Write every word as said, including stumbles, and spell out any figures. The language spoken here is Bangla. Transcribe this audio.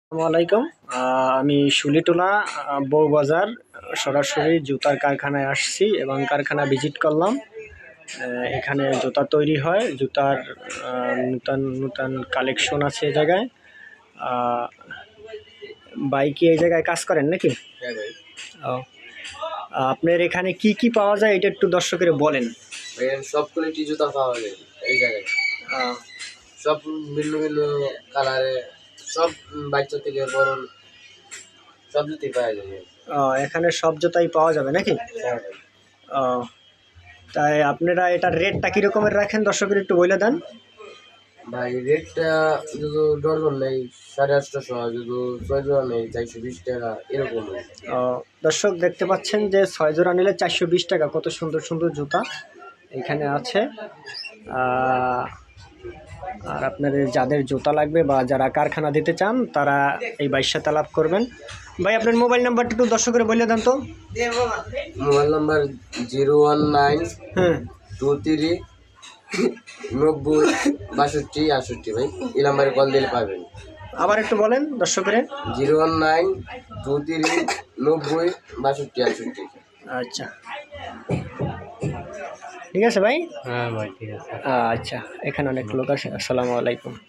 আসসালামু আলাইকুম। আহ, আমি শুলিটোলা আহ, বউবাজার সরাসরি জুতার কারখানায় আসছি এবং কারখানা ভিজিট করলাম। আহ, এখানে জুতা তৈরি হয়, জুতার আহ, নূতন নূতন কালেকশন আছে এই জায়গায়। আহ, ভাই কি এই জায়গায় কাজ করেন নাকি? হ্যাঁ ভাই। ও, আপনার এখানে কি কি পাওয়া যায় এটা একটু দর্শকের বলেন। ভাই সব কোয়ালিটি জুতা পাওয়া যায় এই জায়গায়। আহ, সব ভিন্ন ভিন্ন কালারে, সব বাচ্চা থেকে বড় সব জুতাই পাওয়া যায়। আহ, এখানে সব জুতাই পাওয়া যাবে নাকি? হ্যাঁ ভাই। আহ, তাই আপনারা এটার রেটটা কী রকমের রাখেন দর্শকের একটু বলে দেন। ভাই রেটটা যদি ডজন নেই সাড়ে আটশোশো, যদি ছয় জোড়া নেই চারশো বিশ টাকা এরকম। আহ, দর্শক দেখতে পাচ্ছেন যে ছয় জোড়া নিলে চারশো বিশ টাকা। কত সুন্দর সুন্দর জুতা এখানে আছে। আহ, আর আপনাদের যাদের জুতা লাগবে বা যারা কারখানা দিতে চান তারা এই বাইশ সাথে লাভ করবেন। ভাই আপনার মোবাইল নাম্বারটা একটু দর্শকের বলে দেন তো। Mobile number zero one nine হ্যাঁ, টু থ্রি নব্বই বাষট্টি আষট্টি। ভাই এই নাম্বারে কল দিলে পাবেন। আবার একটু বলেন দর্শকের। Zero one nine two three নব্বই বাষট্টি আষট্টি। আচ্ছা, ঠিক আছে ভাই। হ্যাঁ ভাই ঠিক আছে। আচ্ছা, এখানে অনেক লোক আছে। আসসালামু আলাইকুম।